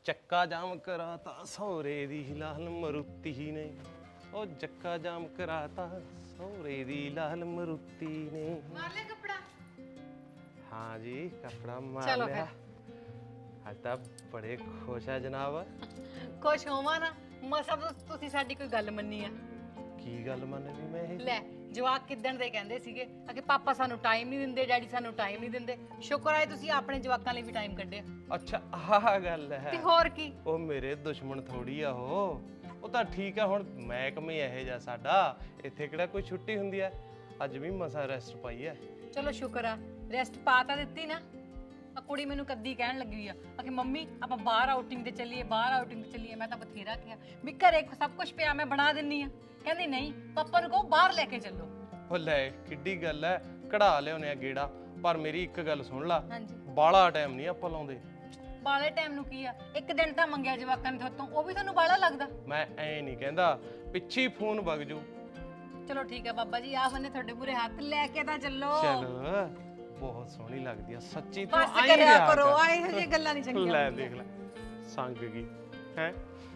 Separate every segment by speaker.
Speaker 1: ਚੱਕਾ ਜਾਮ ਕਰਾਤਾ ਸੌਰੇ ਦੀ ਲਾਲ ਮਰੂਤੀ ਨੇ ਉਹ ਚੱਕਾ ਜਾਮ ਕਰਾਤਾ ਸੌਰੇ ਦੀ ਲਾਲ ਮਰੂਤੀ ਨੇ
Speaker 2: ਮਾਰ ਲਿਆ ਕੱਪੜਾ
Speaker 1: हाँ जी कपड़ा मार
Speaker 2: चलो
Speaker 1: लिया आज ਤਾਂ ਬੜੇ ਖੁਸ਼ ਆ ਜਨਾਬ
Speaker 2: ਕੁਛ ਹੋਵਾਂ ਨਾ ਮਸਾ ਤੁਸੀਂ ਸਾਡੀ ਕੋਈ ਗੱਲ ਮੰਨੀ ਆ
Speaker 1: ਕੀ ਗੱਲ ਮੰਨ ਲਈ ਮੈਂ ਇਹ
Speaker 2: ਲੈ ਜਵਾਕ ਕਿੱਦਣ ਦੇ ਕਹਿੰਦੇ ਸੀਗੇ ਕਿ ਪਾਪਾ ਸਾਨੂੰ ਟਾਈਮ ਨਹੀਂ ਦਿੰਦੇ ਡੈਡੀ ਸਾਨੂੰ ਟਾਈਮ ਨਹੀਂ ਦਿੰਦੇ ਸ਼ੁਕਰ ਹੈ ਤੁਸੀਂ ਆਪਣੇ ਜਵਾਕਾਂ ਲਈ ਵੀ ਟਾਈਮ ਕੱਢਿਆ
Speaker 1: ਅੱਛਾ ਆਹ ਗੱਲ ਹੈ
Speaker 2: ਤੇ ਹੋਰ ਕੀ
Speaker 1: ਉਹ ਮੇਰੇ ਦੁਸ਼ਮਣ ਥੋੜੀ ਆ ਉਹ ਤਾਂ ਠੀਕ ਆ ਹੁਣ ਮਹਿਕਮੇ ਇਹੋ ਜਿਹਾ ਸਾਡਾ ਇੱਥੇ ਕਿਹੜਾ ਕੋਈ ਛੁੱਟੀ ਹੁੰਦੀ ਆ ਅੱਜ ਵੀ ਮਸਾ ਰੈਸਟ ਪਾਈ ਆ
Speaker 2: ਚਲੋ ਸ਼ੁਕਰ ਆ ਰੈਸਟ ਪਾ ਤਾਂ ਦਿੱਤੀ ਨਾ ਆ ਕੁੜੀ ਮੈਨੂੰ ਕੱਦੀ ਕਹਿਣ ਲੱਗੀ ਹੋਈ ਆ ਕਿ ਮੰਮੀ ਆਪਾਂ ਬਾਹਰ ਆਊਟਿੰਗ ਤੇ ਚੱਲੀਏ ਮੈਂ ਤਾਂ ਬਥੇਰਾ ਕਿਹਾ ਵੀ ਘਰੇ ਸਭ ਕੁਝ ਪਿਆ ਮੈਂ ਬਣਾ ਦਿੰਨੀ ਆ ਕਹਿੰਦੀ ਨਹੀਂ ਪਾਪਾ ਨੂੰ ਕਹੋ ਬਾਹਰ ਲੈ ਕੇ ਚੱਲੋ
Speaker 1: ਉਹ ਲੈ ਕਿੱਡੀ ਗੱਲ ਐ ਕਢਾ ਲਿਆਉਨੇ ਆ ਗੇੜਾ ਪਰ ਮੇਰੀ ਇੱਕ ਗੱਲ ਸੁਣ ਲਾ
Speaker 2: ਹਾਂਜੀ
Speaker 1: ਬਾਲਾ ਟਾਈਮ ਨਹੀਂ ਆਪਾਂ ਲਾਉਂਦੇ
Speaker 2: ਬਾਲੇ ਟਾਈਮ ਨੂੰ ਕੀ ਆ ਇੱਕ ਦਿਨ ਤਾਂ ਮੰਗਿਆ ਜਵਾਕਾਂ ਨੇ ਤੁਹਾਤੋਂ ਉਹ ਵੀ ਤੁਹਾਨੂੰ ਬਾਲਾ ਲੱਗਦਾ
Speaker 1: ਮੈਂ ਐ ਨਹੀਂ ਕਹਿੰਦਾ ਪਿੱਛੇ ਫੋਨ ਵਗ ਜੂ
Speaker 2: ਚਲੋ ਠੀਕ ਆ ਬਾਬਾ ਜੀ ਆਹ ਬੰਨੇ ਤੁਹਾਡੇ ਪੂਰੇ ਹੱਥ ਲੈ ਕੇ ਤਾਂ ਚੱਲੋ
Speaker 1: ਚਲ ਬਹੁਤ ਸੋਹਣੀ ਲੱਗਦੀ ਆ ਸੱਚੀ ਤੂੰ
Speaker 2: ਬਸ
Speaker 1: ਆਈ
Speaker 2: ਕਰਿਆ
Speaker 1: ਰਿਹਾ
Speaker 2: ਕਰੋ
Speaker 1: ਕਰ।
Speaker 2: ਆ ਇਹੋ ਜਿਹੀਆਂ ਗੱਲਾਂ ਨਹੀਂ ਚੰਗੀਆਂ
Speaker 1: ਲੈ
Speaker 2: ਹੁੰਦੀਆਂ।
Speaker 1: ਦੇਖ ਲੈ ਸੰਗ ਗਈ ਹੈ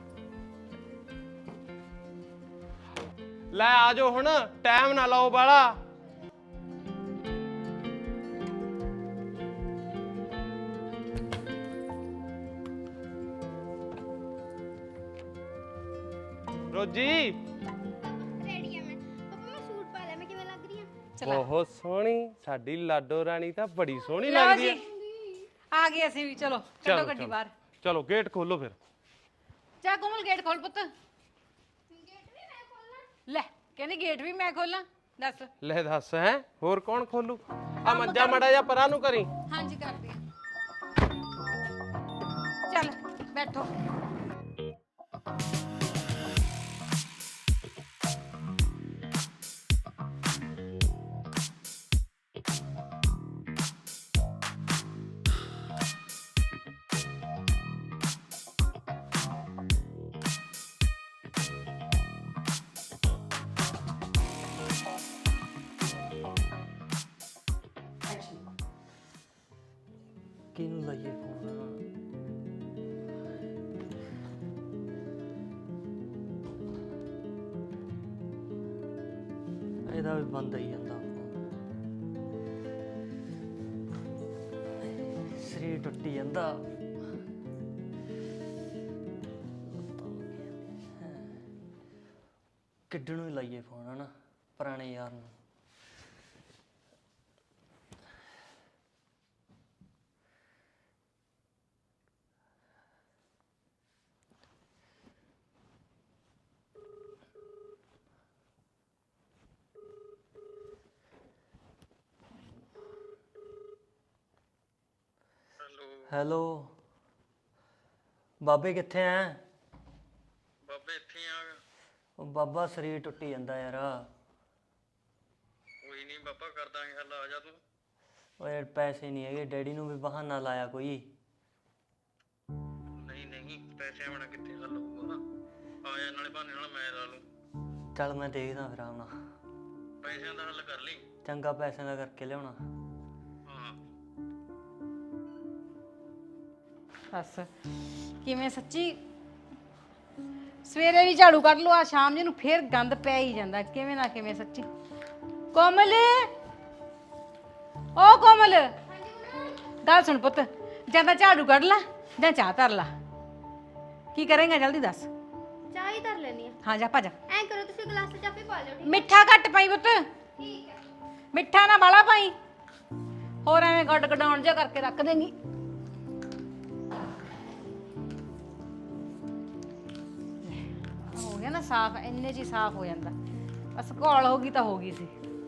Speaker 1: ਲੈ ਆ ਜਾਓ ਹੁਣ ਟਾਈਮ ਨਾ ਲਾਓ ਬਾਲਾ ਰੋਜੀ
Speaker 3: ਰੈਡੀ ਆ ਮੈਂ ਪਾਪਾ ਮੈਂ ਸੂਟ ਪਾ ਲਿਆ ਮੈਂ ਕਿਵੇਂ ਲੱਗ ਰਹੀ ਆ
Speaker 1: ਬਹੁਤ ਸੋਹਣੀ ਸਾਡੀ ਲਾਡੋ ਰਾਣੀ ਤਾਂ ਬੜੀ ਸੋਹਣੀ
Speaker 2: ਲਓ
Speaker 1: ਲੱਗਦੀ
Speaker 2: ਜੀ
Speaker 1: ਹੈ
Speaker 2: ਆ ਗਏ ਅਸੀਂ ਵੀ ਚਲੋ ਕੱਢੋ ਗੱਡੀ ਬਾਹਰ
Speaker 1: ਚਲੋ ਗੇਟ ਖੋਲੋ ਫਿਰ
Speaker 2: ਜਾ ਕੋਮਲ ਗੇਟ ਖੋਲ ਪੁੱਤ
Speaker 3: ਗੇਟ ਵੀ ਮੈਂ ਖੋਲਣਾ
Speaker 2: ਲੈ ਕਹਿੰਦੀ ਗੇਟ ਵੀ ਮੈਂ ਖੋਲਾਂ ਦੱਸ
Speaker 1: ਲੈ ਦੱਸ ਹੈ ਹੋਰ ਕੌਣ ਖੋਲੂ ਆ ਮੰਜਾ ਮੜਾ ਜਾ ਪਰਾਂ ਨੂੰ ਕਰੀ
Speaker 2: ਹਾਂਜੀ ਕਰਦੀ ਆ ਚੱਲ ਬੈਠੋ
Speaker 4: ਕਿਹਨੂੰ ਲਾਈਏ ਫੋਨ ਇਹਦਾ ਵੀ ਬੰਦ ਹੀ ਜਾਂਦਾ ਸਰੀਰ ਟੁੱਟੀ ਜਾਂਦਾ ਕਿੱਡਣ ਨੂੰ ਹੀ ਲਾਈਏ ਫੋਨ ਹਨਾ ਪੁਰਾਣੇ ਯਾਰ ਨੂੰ ਹੈਲੋ ਬਾਬੇ ਕਿੱਥੇ ਐ
Speaker 5: ਬਾਬੇ ਇੱਥੇ ਆ
Speaker 4: ਉਹ ਬਾਬਾ ਸਰੀਰ ਟੁੱਟੀ ਜਾਂਦਾ ਯਾਰ
Speaker 5: ਕੋਈ ਨਹੀਂ ਬਾਬਾ ਕਰ ਦਾਂਗੇ ਹੱਲ ਆ ਜਾ ਤੂੰ
Speaker 4: ਓਏ ਪੈਸੇ ਨਹੀਂ ਹੈਗੇ ਡੈਡੀ ਨੂੰ ਵੀ ਬਹਾਨਾ ਲਾਇਆ ਕੋਈ
Speaker 5: ਨਹੀਂ ਪੈਸੇ ਆਉਣਾ ਕਿੱਥੇ ਹੱਲ ਹੋਊਗਾ ਆ ਜਾ ਨਾਲੇ ਬਹਾਨੇ ਨਾਲ ਮੈਂ ਲਾ ਲੂੰ
Speaker 4: ਚੱਲ ਮੈਂ ਦੇਖਦਾ ਫਿਰ ਆਉਣਾ
Speaker 5: ਪੈਸਿਆਂ ਦਾ ਹੱਲ ਕਰ ਲਈ
Speaker 4: ਚੰਗਾ ਪੈਸਿਆਂ ਦਾ ਕਰਕੇ ਲਿਆਉਣਾ
Speaker 5: ਹਾਂ
Speaker 2: ਬਸ ਕਿਵੇਂ ਸੱਚੀ ਸਵੇਰੇ ਵੀ ਝਾੜੂ ਕੱਢ ਲਓ ਆ ਸ਼ਾਮ ਜੀ ਨੂੰ ਫੇਰ ਗੰਦ ਪੈ ਹੀ ਜਾਂਦਾ ਕਿਵੇਂ ਨਾ ਕਿਵੇਂ ਸੱਚੀ ਕੋਮਲ ਓ ਕੋਮਲ ਗੱਲ ਸੁਣ ਪੁੱਤ ਜਾਂ ਤਾਂ ਝਾੜੂ ਕੱਢ ਲੈ ਜਾਂ ਚਾਹ ਧਰ ਲੈ ਕੀ ਕਰੇਂਗਾ ਜਲਦੀ ਦੱਸ
Speaker 3: ਚਾਹ ਹੀ ਧਰ ਲੈਣੀ ਆ
Speaker 2: ਹਾਂ ਜਾ ਭੱਜ
Speaker 3: ਐਂ ਕਰੋ ਤੁਸੀਂ ਗਲਾਸ ਚ ਆਪੇ ਪਾ ਲਿਓ ਠੀਕ
Speaker 2: ਮਿੱਠਾ ਘੱਟ ਪਾਈ ਪੁੱਤ
Speaker 3: ਠੀਕ ਹੈ
Speaker 2: ਮਿੱਠਾ ਨਾ ਬਾਲਾ ਪਾਈ ਹੋਰ ਐਵੇਂ ਗੱਡ ਗਡਾਉਣ ਜਿਹਾ ਕਰਕੇ ਰੱਖ ਦੇਂਗੀ ਹੋ ਗਿਆ ਨਾ ਸਾਫ਼ ਇੰਨੇ 'ਚ ਹੀ ਸਾਫ਼ ਹੋ ਜਾਂਦਾ ਬਸ ਘੋਲ ਹੋ ਗਈ ਤਾਂ ਹੋ ਗਈ ਸੀ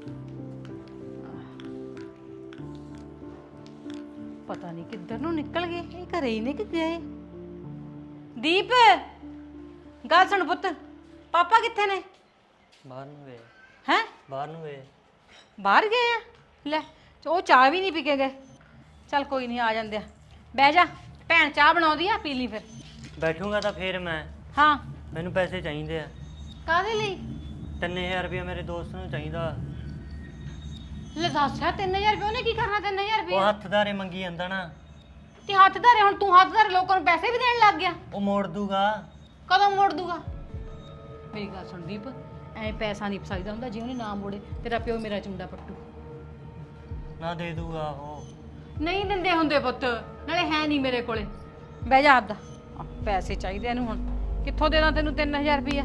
Speaker 2: ਪਤਾ ਨਹੀਂ ਕਿੱਧਰ ਨੂੰ ਨਿਕਲ ਗਏ ਇਹ ਘਰੇ ਹੀ ਨੇ ਕਿ ਗਏ ਦੀਪ ਗੱਲ ਸੁਣ ਪੁੱਤ ਪਾਪਾ ਕਿੱਥੇ ਨੇ
Speaker 4: ਬਾਹਰ ਨੂੰ ਗਏ
Speaker 2: ਹੈ
Speaker 4: ਬਾਹਰ ਨੂੰ ਗਏ
Speaker 2: ਬਾਹਰ ਗਏ ਆ ਲੈ ਉਹ ਚਾਹ ਵੀ ਨਹੀਂ ਪੀ ਕੇ ਗਏ ਚੱਲ ਕੋਈ ਨਹੀਂ ਆ ਜਾਂਦੇ ਆ ਬਹਿ ਜਾ ਭੈਣ ਚਾਹ ਬਣਾਉਂਦੀ ਆ ਪੀ ਲਈ ਫਿਰ
Speaker 4: ਬੈਠੂੰਗਾ ਤਾਂ ਫੇਰ ਮੈਂ
Speaker 2: ਹਾਂ
Speaker 4: ਮੈਨੂੰ ਪੈਸੇ ਚਾਹੀਦੇ ਆ
Speaker 2: ਕਾਹਦੇ ਲਈ
Speaker 4: 3000 ਰੁਪਏ ਮੇਰੇ ਦੋਸਤ ਨੂੰ ਚਾਹੀਦਾ
Speaker 2: ਲੈ ਦੱਸਿਆ 3000 ਰੁਪਏ ਉਹਨੇ ਕੀ ਕਰਨਾ 3000
Speaker 4: ਉਹ
Speaker 2: ਰੁਪਏ
Speaker 4: ਹੱਥਦਾਰੇ ਮੰਗੀ ਜਾਂਦਾ ਨਾ
Speaker 2: ਕਿ ਹੱਥ ਧਰੇ, ਹੁਣ ਤੂੰ ਹੱਥ ਧਰੇ ਲੋਕਾਂ ਨੂੰ ਪੈਸੇ ਵੀ ਦੇਣ ਲੱਗ ਗਿਆ।
Speaker 4: ਉਹ ਮੋੜ ਦੂਗਾ।
Speaker 2: ਕਦੋਂ ਮੋੜ ਦੂਗਾ? ਮੇਰੀ ਗੱਲ ਸੁਣ ਦੀਪ, ਐ ਪੈਸਾ ਨਹੀਂ ਫਸਾਈਦਾ ਹੁੰਦਾ, ਜੇ ਉਹਨੇ ਨਾ ਮੋੜੇ ਤੇਰਾ ਪਿਓ ਮੇਰਾ ਚੁੰਡਾ ਪੱਟੂ।
Speaker 4: ਨਾ ਦੇ ਦੂਗਾ ਉਹ।
Speaker 2: ਨਹੀਂ ਦਿੰਦੇ ਹੁੰਦੇ ਪੁੱਤ, ਨਾਲੇ ਹੈ ਨਹੀਂ ਮੇਰੇ ਕੋਲੇ। ਬਹਿ ਜਾ ਆਪਦਾ, ਪੈਸੇ ਚਾਹੀਦੇ ਇਹਨੂੰ ਹੁਣ। ਕਿੱਥੋਂ ਦੇਣਾ ਤੈਨੂੰ 3000 ਰੁਪਇਆ?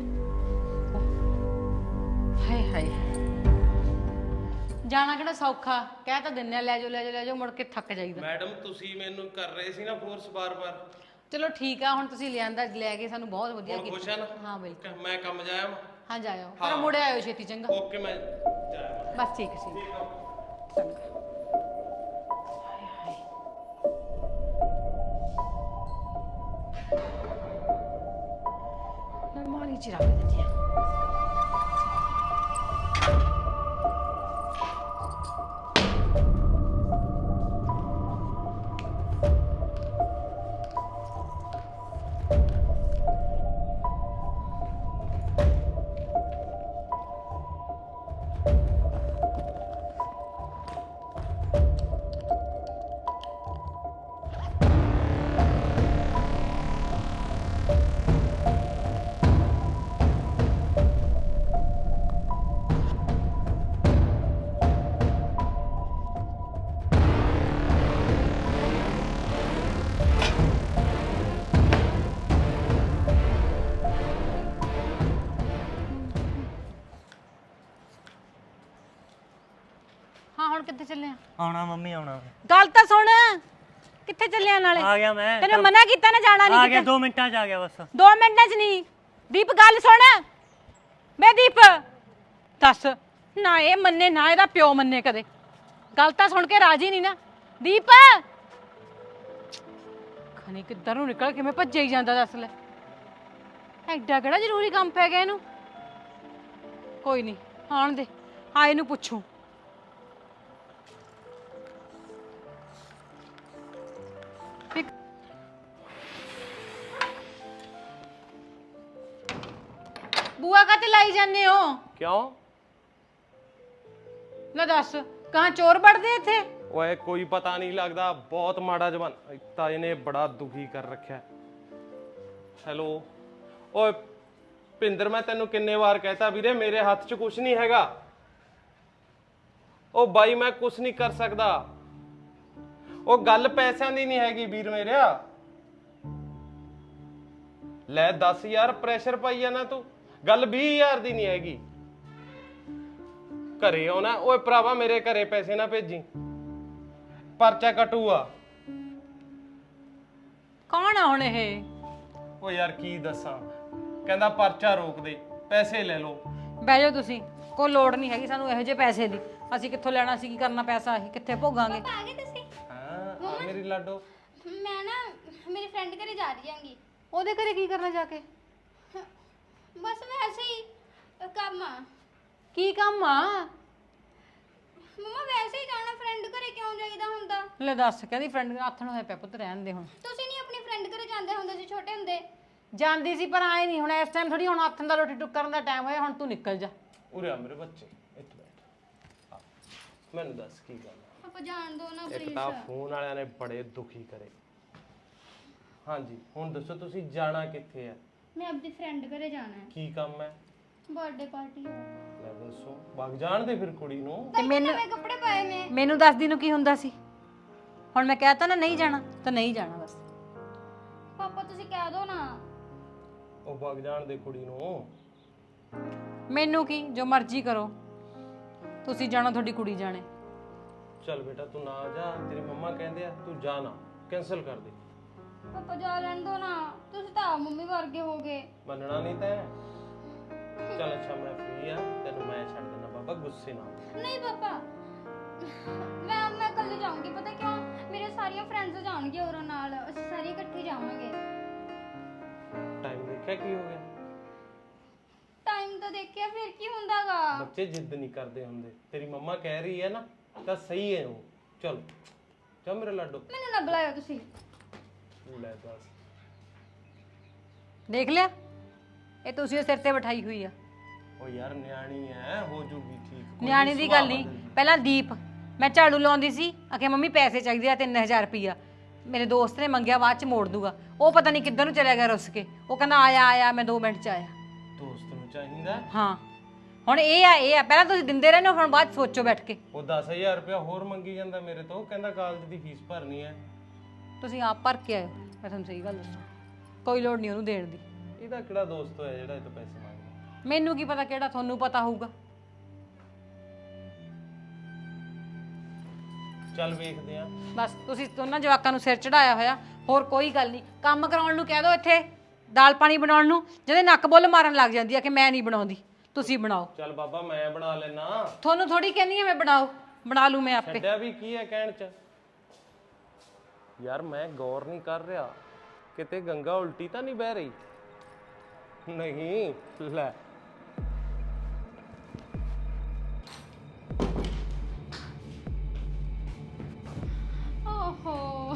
Speaker 2: ਹਾਏ ਹਾਏ, ਜਾਣਾ ਕਿਹੜਾ ਸੌਖਾ, ਕਹਿ ਤਾਂ ਦਿੰਨੇ ਆ ਲੈ ਜਾਓ ਲੈ ਜਾਓ ਲੈ ਜਾਓ, ਮੁੜ ਕੇ ਥੱਕ ਜਾਈਦਾ।
Speaker 1: ਮੈਡਮ ਤੁਸੀਂ ਮੈਨੂੰ ਕਰ ਰਹੇ ਸੀ ਨਾ ਫੋਰਸ ਬਾਰ-ਬਾਰ।
Speaker 2: ਚਲੋ ਠੀਕ ਆ, ਹੁਣ ਤੁਸੀਂ ਲਿਆਂਦਾ ਲੈ ਕੇ ਸਾਨੂੰ ਬਹੁਤ ਵਧੀਆ
Speaker 1: ਹੁਣ ਖੁਸ਼ ਆ ਨਾ?
Speaker 2: ਹਾਂ ਬਿਲਕੁਲ।
Speaker 1: ਮੈਂ ਕੰਮ ਜਾਇਆ ਵਾਂ।
Speaker 2: ਹਾਂ ਜਾਇਓ, ਪਰ ਮੁੜੇ ਆਇਓ ਛੇਤੀ, ਚੰਗਾ?
Speaker 1: ਓਕੇ ਮੈਂ ਜਾਇਆ ਵਾਂ।
Speaker 2: ਬਸ ਠੀਕ ਹੈ ਜੀ। ਨਰਮਾਲੀ ਚ ਰੱਖ ਦਿੰਦੀ ਆ। ਹਾਂ ਹੁਣ ਕਿੱਥੇ ਚੱਲੇ ਆ?
Speaker 4: ਆਉਣਾ ਮੰਮੀ ਆਉਣਾ।
Speaker 2: ਗੱਲ ਤਾਂ ਸੁਣ, ਕਿੱਥੇ ਚੱਲੇ ਆ? ਨਾਲੇ
Speaker 4: ਆ ਗਿਆ ਮੈਂ।
Speaker 2: ਤੈਨੂੰ ਮਨਾ ਕੀਤਾ ਨਾ ਜਾਣਾ
Speaker 4: ਆ
Speaker 2: ਨਹੀਂ
Speaker 4: ਗਿਆ
Speaker 2: ਕਿਤੇ।
Speaker 4: 2 ਮਿੰਟਾਂ 'ਚ ਆ ਗਿਆ ਬਸ।
Speaker 2: 2 ਮਿੰਟਾਂ 'ਚ ਨਹੀਂ। ਦੀਪ ਗੱਲ ਸੁਣ, ਮੈਂ ਦੀਪ ਦੱਸ ਨਾ, ਇਹ ਮੰਨੇ ਨਾ ਇਹਦਾ ਪਿਓ ਮੰਨੇ ਕਦੇ। ਗੱਲ ਤਾਂ ਸੁਣ ਕੇ ਰਾਜੀ ਨਹੀਂ ਨਾ ਦੀਪ। ਖਣੀ ਕਿੱਧਰ ਨੂੰ ਨਿਕਲ ਕਿਵੇਂ ਭੱਜੇ ਹੀ ਜਾਂਦਾ, ਦੱਸ ਲੈ। ਐਡਾ ਕਿਹੜਾ ਜ਼ਰੂਰੀ ਕੰਮ ਪੈ ਗਿਆ ਇਹਨੂੰ? ਕੋਈ ਨਹੀਂ, ਆਣ ਦੇ, ਆ ਇਹਨੂੰ ਪੁੱਛੂ। ਬੂਆ ਕਾਤੇ ਲਾਈ ਜਾਂਦੇ ਹੋ?
Speaker 1: ਕਿਉਂ?
Speaker 2: ਲੈ ਦੱਸ, ਕਹਾਂ ਚੋਰ ਵੜਦੇ ਇੱਥੇ?
Speaker 1: ਓਏ ਕੋਈ ਪਤਾ ਨਹੀਂ ਲੱਗਦਾ, ਬਹੁਤ ਮਾੜਾ ਜ਼ਮਾਨਾ। ਤਾਂ ਇਹਨੇ ਬੜਾ ਦੁਖੀ ਕਰ ਰੱਖਿਆ। ਹੈਲੋ ਓਏ ਭਿੰਦਰ, ਮੈਂ ਤੈਨੂੰ ਕਿੰਨੇ ਵਾਰ ਕਹਿਤਾ ਵੀਰੇ ਮੇਰੇ ਹੱਥ 'ਚ ਕੁਝ ਨਹੀਂ ਹੈਗਾ। ਉਹ ਬਾਈ ਮੈਂ ਕੁਝ ਨਹੀਂ ਕਰ ਸਕਦਾ। ਉਹ ਗੱਲ ਪੈਸਿਆਂ ਦੀ ਨਹੀਂ ਹੈਗੀ ਵੀਰ ਮੇਰਿਆ। ਲੈ ਦੱਸ ਯਾਰ, ਪ੍ਰੈਸ਼ਰ ਪਾਈ ਜਾਣਾ ਤੂੰ। ਗੱਲ 20000 ਦੀ ਨਹੀਂ ਹੈਗੀ। ਘਰੇ ਆਉਣਾ? ਓਏ ਭਰਾਵਾ ਮੇਰੇ ਘਰੇ ਪੈਸੇ ਨਾ ਭੇਜੀ, ਪਰਚਾ ਕਟੂਆ।
Speaker 2: ਕੌਣ ਆ ਹੁਣ ਇਹ?
Speaker 1: ਓ ਯਾਰ ਕੀ ਦੱਸਾਂ, ਕਹਿੰਦਾ ਪਰਚਾ ਰੋਕ ਦੇ, ਪੈਸੇ ਲੈ ਲਓ।
Speaker 2: ਬਹਿ ਜਾਓ ਤੁਸੀਂ, ਕੋਈ ਲੋੜ ਨਹੀਂ ਹੈਗੀ ਸਾਨੂੰ ਇਹੋ ਜਿਹੇ ਪੈਸੇ ਦੀ। ਅਸੀਂ ਕਿੱਥੋਂ ਲੈਣਾ ਸੀ, ਕੀ ਕਰਨਾ ਪੈਸਾ, ਅਸੀਂ ਕਿੱਥੇ ਭੋਗਾਂਗੇ?
Speaker 3: ਆ ਗਏ ਤੁਸੀਂ?
Speaker 1: ਹਾਂ ਆ ਮੇਰੀ ਲਾਡੋ।
Speaker 3: ਮੈਂ ਨਾ ਮੇਰੀ ਫਰੈਂਡ ਘਰੇ ਜਾ ਰਹੀ ਹਾਂਗੀ।
Speaker 2: ਉਹਦੇ ਘਰੇ ਕੀ ਕਰਨਾ ਜਾ ਕੇ?
Speaker 3: ਬਸ ਵੈਸੇ ਹੀ ਕੰਮ ਆ।
Speaker 2: ਕੀ ਕੰਮ ਆ?
Speaker 3: ਮਮਾ ਵੈਸੇ ਹੀ ਜਾਣਾ, ਫਰੈਂਡ ਘਰੇ ਕਿਉਂ ਜਾਈਦਾ ਹੁੰਦਾ?
Speaker 2: ਲੈ ਦੱਸ, ਕਹਿੰਦੀ ਫਰੈਂਡ ਆਥਣ ਹੋਇਆ ਪਿਆ ਪੁੱਤ, ਰਹਿਣ ਦੇ ਹੁਣ।
Speaker 3: ਤੁਸੀਂ ਨਹੀਂ ਆਪਣੀ ਫਰੈਂਡ ਘਰੇ ਜਾਂਦੇ ਹੁੰਦੇ ਸੀ ਛੋਟੇ ਹੁੰਦੇ?
Speaker 2: ਜਾਂਦੀ ਸੀ ਪਰ ਆਏ ਨਹੀਂ, ਹੁਣ ਇਸ ਟਾਈਮ ਥੋੜੀ, ਹੁਣ ਆਥਣ ਦਾ ਰੋਟੀ ਟੁੱਕ ਕਰਨ ਦਾ ਟਾਈਮ ਹੋਇਆ, ਹੁਣ ਤੂੰ ਨਿਕਲ ਜਾ।
Speaker 1: ਉਰੇ ਆ ਮੇਰੇ ਬੱਚੇ, ਇੱਥੇ ਬੈਠ। ਆ, ਮੈਨੂੰ ਦੱਸ ਕੀ ਗੱਲ ਆ?
Speaker 3: ਆਪਾਂ ਜਾਣ ਦੋ ਨਾ
Speaker 1: ਇੱਕ
Speaker 3: ਪਲੀਜ਼।
Speaker 1: ਤਾਂ ਫੋਨ ਵਾਲਿਆਂ ਨੇ ਬੜੇ ਦੁਖੀ ਕਰੇ। ਹਾਂਜੀ ਹੁਣ ਦੱਸੋ ਤੁਸੀਂ ਜਾਣਾ ਕਿੱਥੇ ਆ?
Speaker 3: ਮੈਂ ਆਪਣੀ ਫਰੈਂਡ ਘਰੇ ਜਾਣਾ ਹੈ,
Speaker 1: ਕੀ ਕੰਮ ਹੈ?
Speaker 3: ਬਰਥਡੇ ਪਾਰਟੀ ਹੈ।
Speaker 1: ਲੈ ਦੱਸੋ, ਵਗ ਜਾਣ ਦੇ ਫਿਰ ਕੁੜੀ ਨੂੰ।
Speaker 2: ਤੇ ਮੈਨੂੰ
Speaker 3: ਨਵੇਂ ਕੱਪੜੇ ਪਾਏ ਨੇ।
Speaker 2: ਮੈਨੂੰ ਦੱਸਦੀ ਨੂੰ ਕੀ ਹੁੰਦਾ ਸੀ? ਹੁਣ ਮੈਂ ਕਹਿਤਾ ਨਾ ਨਹੀਂ ਜਾਣਾ ਤਾਂ ਨਹੀਂ ਜਾਣਾ ਬਸ।
Speaker 3: ਪਾਪਾ ਤੁਸੀਂ ਕਹਿ ਦੋ ਨਾ।
Speaker 1: ਉਹ ਵਗ ਜਾਣ ਦੇ ਕੁੜੀ ਨੂੰ।
Speaker 2: ਮੈਨੂੰ ਕੀ, ਜੋ ਮਰਜ਼ੀ ਕਰੋ, ਤੁਸੀਂ ਜਾਣਾ, ਤੁਹਾਡੀ ਕੁੜੀ ਜਾਣੇ।
Speaker 1: ਚੱਲ ਬੇਟਾ ਤੂੰ ਨਾ ਜਾ, ਤੇਰੀ ਮੰਮਾ ਕਹਿੰਦੇ ਆ ਤੂੰ ਜਾ ਨਾ, ਕੈਨਸਲ ਕਰ ਦੇ।
Speaker 3: ਪਾਪਾ ਜਾ ਲੈਣ ਦੋ ਨਾ, ਤੁਸੀਂ ਤਾਂ ਆਪ ਮੰਮੀ ਵਰਗੇ ਹੋ ਗਏ।
Speaker 1: ਮੰਨਣਾ ਨਹੀਂ ਤੈਂ? ਚੱਲ ਅੱਛਾ ਮੈਂ ਫ੍ਰੀ ਆ, ਤੈਨੂੰ ਮੈਂ ਛੱਡ ਦਿੰਦਾ ਬਾਬਾ, ਗੁੱਸੇ ਨਾ ਹੋ।
Speaker 3: ਨਹੀਂ ਪਾਪਾ, ਮੈਂ ਕੱਲ ਜਾਊਂਗੀ। ਪਤਾ ਕਿਉਂ? ਮੇਰੇ ਸਾਰੀਆਂ ਫਰੈਂਡਸ ਜਾਣਗੀਆਂ ਉਹਨਾਂ ਨਾਲ, ਅਸੀਂ ਸਾਰੇ ਇਕੱਠੇ ਜਾਵਾਂਗੇ।
Speaker 1: ਟਾਈਮ ਦੇਖਿਆ ਕੀ ਹੋ ਗਿਆ?
Speaker 3: ਟਾਈਮ ਤਾਂ ਦੇਖਿਆ, ਫਿਰ ਕੀ ਹੁੰਦਾਗਾ?
Speaker 1: ਬੱਚੇ ਜਿੱਦ ਨਹੀਂ ਕਰਦੇ ਹੁੰਦੇ। ਤੇਰੀ ਮੰਮਾ ਕਹਿ ਰਹੀ ਹੈ ਨਾ ਤਾਂ ਸਹੀ ਹੈ ਉਹ। ਚਲ ਜਾ ਮੇਰੇ ਲਾਡੋ।
Speaker 3: ਮੈਨੂੰ ਨਾ ਬੁਲਾਇਓ ਤੁਸੀਂ।
Speaker 1: ਲੈ ਦੱਸ,
Speaker 2: ਦੇਖ ਲਿਆ, ਇਹ ਤੁਸੀਂ ਸਿਰ ਤੇ ਬਿਠਾਈ ਹੋਈ ਆ।
Speaker 1: ਉਹ ਯਾਰ ਨਿਆਣੀ ਐ, ਹੋ ਜੂਗੀ ਠੀਕ। ਕੋਈ
Speaker 2: ਨਿਆਣੀ ਦੀ ਗੱਲ ਨਹੀਂ। ਪਹਿਲਾਂ ਦੀਪ, ਮੈਂ ਝਾੜੂ ਲਾਉਂਦੀ ਸੀ, ਆਖੇ ਮੰਮੀ ਪੈਸੇ ਚਾਹੀਦੇ ਆ 3000 ਰੁਪਈਆ। ਮੇਰੇ ਦੋਸਤ ਨੇ ਮੰਗਿਆ, ਬਾਅਦ ਚ ਮੋੜ ਦੂਗਾ। ਉਹ ਪਤਾ ਨਹੀਂ ਕਿੱਧਰ ਨੂੰ ਚਲਿਆ ਗਿਆ ਰੁੱਸ ਕੇ। ਉਹ ਕਹਿੰਦਾ ਆਇਆ ਮੈਂ 2 ਮਿੰਟ ਚ ਆਇਆ।
Speaker 1: ਦੋਸਤ ਨੂੰ ਚਾਹੀਦਾ।
Speaker 2: ਹਾਂ ਹੁਣ ਇਹ ਆ ਪਹਿਲਾਂ ਤੁਸੀਂ ਦਿੰਦੇ ਰਹਿੰਦੇ ਹੋ, ਹੁਣ ਬਾਅਦ 'ਚ ਸੋਚੋ ਬੈਠ ਕੇ।
Speaker 1: ਉਹ 10,000 ਰੁਪਇਆ ਹੋਰ ਮੰਗੀ ਜਾਂਦਾ ਮੇਰੇ ਤੋਂ, ਕਹਿੰਦਾ ਕਾਲਜ ਦੀ ਫੀਸ ਭਰਨੀ ਹੈ।
Speaker 2: ਤੁਸੀਂ ਆਪ ਭਰ ਕੇ ਆਇਓ, ਮੈਂ ਤੁਹਾਨੂੰ ਸਹੀ ਗੱਲ ਦੱਸਾਂ, ਕੋਈ ਲੋੜ ਨਹੀਂ ਉਹਨੂੰ ਦੇਣ ਦੀ।
Speaker 1: ਇਹਦਾ ਕਿਹੜਾ ਦੋਸਤ ਹੋਇਆ ਜਿਹੜਾ ਇਹ ਤੋਂ ਪੈਸੇ ਮੰਗਦਾ?
Speaker 2: ਮੈਨੂੰ ਕੀ ਪਤਾ ਕਿਹੜਾ, ਤੁਹਾਨੂੰ ਪਤਾ ਹੋਊਗਾ।
Speaker 1: ਚੱਲ ਵੇਖਦੇ ਆ।
Speaker 2: ਬਸ ਤੁਸੀਂ ਦੋਨਾਂ ਜਵਾਕਾਂ ਨੂੰ ਸਿਰ ਚੜਾਇਆ ਹੋਇਆ, ਹੋਰ ਕੋਈ ਗੱਲ ਨਹੀਂ। ਕੰਮ ਕਰਾਉਣ ਨੂੰ ਕਹਿ ਦਿਓ, ਇੱਥੇ ਦਾਲ ਪਾਣੀ ਬਣਾਉਣ ਨੂੰ ਜਿਹਦੇ ਨੱਕ ਬੁੱਲ ਮਾਰਨ ਲੱਗ ਜਾਂਦੀ ਆ ਕਿ ਮੈਂ ਨਹੀਂ ਬਣਾਉਂਦੀ, ਤੁਸੀਂ ਬਣਾਓ।
Speaker 1: ਚੱਲ ਬਾਬਾ ਮੈਂ ਬਣਾ ਲੈਣਾ।
Speaker 2: ਤੁਹਾਨੂੰ ਥੋੜੀ ਕਹਿੰਦੀ ਆ ਮੈਂ ਬਣਾ ਲੂ ਮੈਂ ਆਪੇ।
Speaker 1: ਛੱਡਿਆ ਵੀ ਕੀ ਹੈ ਕਹਿਣ ਚ। ਯਾਰ ਮੈਂ ਗੌਰ ਨਹੀਂ ਕਰ ਰਿਹਾ, ਕਿਤੇ ਗੰਗਾ ਉਲਟੀ ਤਾਂ ਨਹੀਂ ਬਹਿ ਰਹੀ? ਨਹੀਂ ਲੈ
Speaker 3: ਓਹੋ,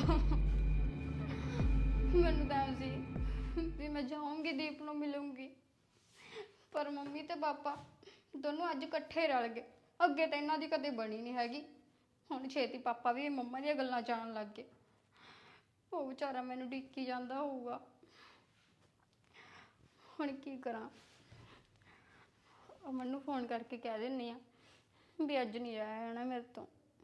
Speaker 3: ਮੈਨੂੰ ਤਾਂ ਐਂ ਸੀ ਵੀ ਮੈਂ ਜਾਊਂਗੀ ਦੀਪ ਨੂੰ ਮਿਲੂੰਗੀ, ਪਰ ਮੰਮੀ ਤੇ ਪਾਪਾ ਦੋਨੋਂ ਅੱਜ ਇਕੱਠੇ ਰਲ ਗਏ। ਅੱਗੇ ਤਾਂ ਇਹਨਾਂ ਦੀ ਕਦੇ ਬਣੀ ਨਹੀਂ ਹੈਗੀ, ਹੁਣ ਛੇਤੀ ਪਾਪਾ ਵੀ ਮੰਮਾ ਦੀਆਂ ਗੱਲਾਂ ਜਾਣ ਲੱਗ ਗਏ। ਉਹ ਵਿਚਾਰਾ ਮੈਨੂੰ ਢੀਕੀ ਜਾਂਦਾ ਹੋਊਗਾ, ਹੁਣ ਕੀ ਕਰਾਂ। ਅਮਨ ਨੂੰ ਫੋਨ ਕਰਕੇ ਕਹਿ ਦਿੰਨੀ ਆ ਵੀ ਅੱਜ ਨਹੀਂ ਜਾਇਆ ਜਾਣਾ ਮੇਰੇ ਤੋਂ।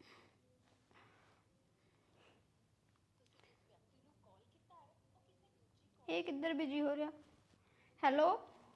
Speaker 3: ਇਹ ਕਿੱਧਰ ਬਿਜੀ ਹੋ ਰਿਹਾ? ਹੈਲੋ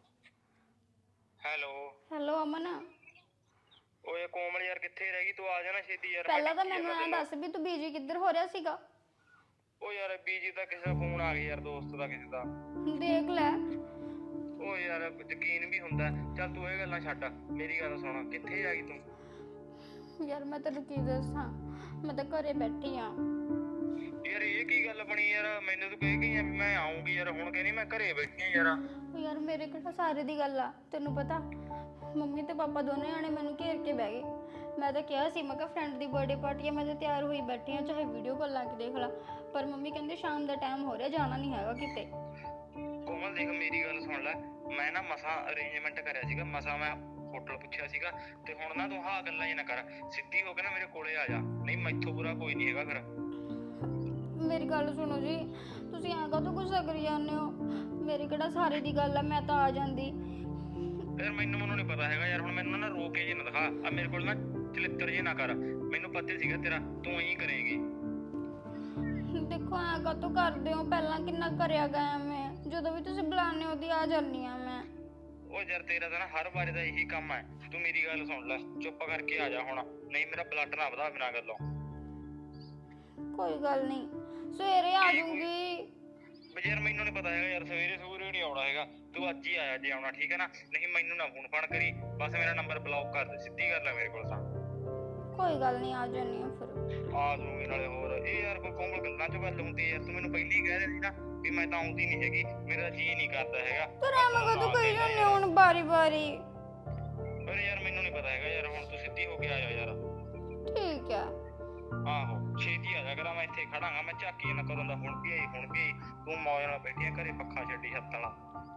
Speaker 5: ਹੈਲੋ
Speaker 3: ਹੈਲੋ ਅਮਨ,
Speaker 5: ਓਏ ਕੋਮਲ ਯਾਰ ਕਿੱਥੇ ਰਹਿ ਗਈ? ਤੂੰ ਆ ਜਾਣਾ ਛੇਤੀ ਯਾਰ।
Speaker 3: ਪਹਿਲਾਂ ਤਾਂ ਮੈਨੂੰ ਐਂ ਦੱਸ ਵੀ ਤੂੰ ਬਿਜੀ ਕਿੱਧਰ ਹੋ ਰਿਹਾ ਸੀਗਾ?
Speaker 5: ਓ ਯਾਰ ਬੀਜੀ ਦਾ ਕਿਸੇ ਦਾ ਫੋਨ ਆ ਗਿਆ ਯਾਰ, ਦੋਸਤ ਦਾ ਕਿਸੇ ਦਾ।
Speaker 3: ਦੇਖ ਲੈ।
Speaker 5: ਓ ਯਾਰ ਯਕੀਨ ਵੀ ਹੁੰਦਾ। ਚੱਲ ਤੂੰ ਇਹ ਗੱਲਾਂ ਛੱਡ, ਮੇਰੀ ਗੱਲ ਸੁਣ, ਕਿੱਥੇ ਆ ਗਈ ਤੂੰ?
Speaker 3: ਯਾਰ ਮੈਂ ਤੈਨੂੰ ਕੀ ਦੱਸਾਂ, ਮੈਂ ਤਾਂ ਘਰੇ ਬੈਠੀ ਆ।
Speaker 5: ਯਾਰ ਇਹ ਕੀ ਗੱਲ ਬਣੀ ਯਾਰ? ਮੈਨੂੰ ਤੂੰ ਕਹਿ ਗਈ ਆ ਵੀ ਮੈਂ ਆਉਂਗੀ ਯਾਰ, ਹੁਣ ਕਹਿੰਦੀ ਮੈਂ ਘਰੇ ਬੈਠੀ ਆ ਯਾਰ।
Speaker 3: ਯਾਰ ਮੇਰੇ ਕਿਹੜਾ ਸਾਰੇ ਦੀ ਗੱਲ ਆ, ਤੈਨੂੰ ਪਤਾ ਮੰਮੀ ਤੇ ਪਾਪਾ ਦੋਨੇ ਜਾਣੇ ਮੈਨੂੰ ਘੇਰ ਕੇ ਬਹਿ ਗਏ। ਮੈਂ ਤਾਂ ਕਿਹਾ ਸੀ, ਮੈਂ ਕਿਹਾ ਫਰੈਂਡ ਦੀ ਬਰਥਡੇ ਪਾਰਟੀ ਆ, ਮੈਂ ਤਾਂ ਤਿਆਰ ਹੋਈ ਬੈਠੀ ਆ, ਚਾਹੇ ਵੀਡੀਓ ਕਾਲ ਲਾ ਕੇ ਦੇਖ ਲਾ। ਪਰ ਮੰਮੀ ਕਹਿੰਦੇ ਸ਼ਾਮ ਦਾ ਟਾਈਮ ਹੋ ਰਿਹਾ, ਜਾਣਾ ਨਹੀਂ ਹੈਗਾ ਕਿਤੇ।
Speaker 5: ਕੋਮਲ ਦੇਖ ਮੇਰੀ ਗੱਲ ਸੁਣ ਲੈ, ਮੈਂ ਨਾ ਮਸਾਂ ਅਰੇਂਜਮੈਂਟ ਕਰਿਆ ਸੀਗਾ, ਮਸਾਂ ਮੈਂ ਹੋਟਲ ਪੁੱਛਿਆ ਸੀਗਾ, ਤੇ ਹੁਣ ਨਾ ਤੂੰ ਹਾਂ ਗੱਲਾਂ ਹੀ ਨਾ ਕਰ, ਸਿੱਧੀ ਹੋ ਕੇ ਨਾ ਮੇਰੇ ਕੋਲੇ ਆ ਜਾ, ਨਹੀਂ ਮੈਥੋਂ ਬੁਰਾ ਕੋਈ ਨਹੀਂ ਹੈਗਾ ਫਿਰ।
Speaker 3: ਮੇਰੀ ਗੱਲ ਸੁਣੋ ਜੀ, ਤੁਸੀਂ ਐਂ ਕਾਹਤੋਂ ਗੁੱਸਾ ਕਰੀ ਜਾਂਦੇ ਹੋ? ਮੇਰੀ ਕਿਹੜਾ ਸਾਰੇ ਦੀ ਗੱਲ ਆ, ਮੈਂ ਤਾਂ ਆ ਜਾਂਦੀ।
Speaker 5: ਯਾਰ ਮੈਨੂੰ ਨਹੀਂ ਪਤਾ ਹੈਗਾ ਯਾਰ, ਹੁਣ ਮੈਨੂੰ ਨਾ ਰੋ ਕੇ ਜੇ ਨਾ ਦਿਖਾ, ਆ ਮੇਰੇ ਕੋਲ ਨਾ ਚਲਿੱਤਰ ਜੇ ਨਾ ਕਰ, ਮੈਨੂੰ ਪਤਾ ਸੀਗਾ ਤੇਰਾ ਤੂੰ ਹੀ ਕਰੇਂਗੀ।
Speaker 3: ਦੇਖੋ ਐਂ ਕਾਹਤੋਂ ਕਰਦੇ ਹੋ? ਪਹਿਲਾਂ ਕਿੰਨਾ ਕਰਿਆ ਗਿਆ ਮੈਂ, ਜਦੋਂ ਵੀ ਤੁਸੀਂ ਬੁਲਾਉਂਦੇ ਹੋ ਉਹਦੀ ਆ ਜਾਂਦੀ ਆ ਮੈਂ।
Speaker 5: ਉਹ ਯਾਰ ਤੇਰਾ ਤਾਂ ਨਾ ਹਰ ਵਾਰੀ ਦਾ ਇਹੀ ਕੰਮ ਹੈ, ਤੂੰ ਮੇਰੀ ਗੱਲ ਸੁਣ ਲੈ, ਚੁੱਪ ਕਰਕੇ ਆ ਜਾ ਹੁਣ, ਨਹੀਂ ਮੇਰਾ ਬਲੱਡ ਨਾ ਵਧਾ ਬਿਨਾਂ ਗੱਲੋਂ।
Speaker 3: ਕੋਈ ਗੱਲ ਨਹੀਂ, ਸਵੇਰੇ ਆ ਜਾਊਂਗੀ।
Speaker 5: ਬਈ ਯਾਰ ਮੈਨੂੰ ਨਹੀਂ ਪਤਾ ਹੈਗਾ ਯਾਰ, ਸਵੇਰੇ ਨਹੀਂ ਆਉਣਾ ਹੈਗਾ, ਤੂੰ ਅੱਜ ਹੀ ਆਇਆ ਜੇ ਆਉਣਾ, ਠੀਕ ਹੈ ਨਾ? ਨਹੀਂ ਮੈਨੂੰ ਨਾ ਫੋਨ ਫਾਨ ਕਰੀ, ਬਸ ਮੇਰਾ ਨੰਬਰ ਬਲੌਕ ਕਰ ਦੇ, ਸਿੱਧੀ ਗੱਲ ਹੈ ਮੇਰੇ ਕੋਲ ਤਾਂ।
Speaker 3: ਕੋਈ ਗੱਲ ਨਹੀਂ, ਆ ਜਾਨੀ ਆ ਫਿਰ।
Speaker 5: ਆ ਜਾਊਂਗੀ ਨਾਲੇ ਹੋਰ ਇਹ ਯਾਰ ਕੋਈ ਕੋਮਲ ਗੱਲਾਂ ਚ ਗੱਲ ਹੁੰਦੀ ਹੈ ਯਾਰ, ਤੂੰ ਮੈਨੂੰ ਪਹਿਲੀ ਕਹਿ ਰਹੀ ਸੀ ਨਾ ਵੀ ਮੈਂ ਤਾਂ ਆਉਂਦੀ ਨਹੀਂ ਹੈਗੀ, ਮੇਰਾ ਜੀ ਨਹੀਂ ਕਰਦਾ ਹੈਗਾ।
Speaker 3: ਪਰ ਐਵੇਂ ਕਦੋਂ ਕਹੀ ਜਾਂਦੇ ਹੁਣ ਬਾਰੀ ਬਾਰੀ?
Speaker 5: ਪਰ ਯਾਰ ਮੈਨੂੰ ਨਹੀਂ ਪਤਾ ਹੈਗਾ ਯਾਰ, ਹੁਣ ਤੂੰ ਸਿੱਧੀ ਹੋ ਕੇ ਆ ਜਾ ਯਾਰ।
Speaker 3: ਠੀਕ ਹੈ।
Speaker 5: ਆਹੋ ਛੇਤੀ ਆ ਜਾ ਕਰਾਂ, ਮੈਂ ਇੱਥੇ ਖੜਾਂਗਾ, ਮੈਂ ਝਾਕੀ ਨਾ ਕਦੋਂ ਦਾ ਹੁਣ ਵੀ ਤੂੰ ਮੌਜ ਨਾਲ ਬੈਠੀ ਆ ਘਰੇ, ਪੱਖਾ ਛੱਡੀ ਹੱਥ ਵਾਲਾ।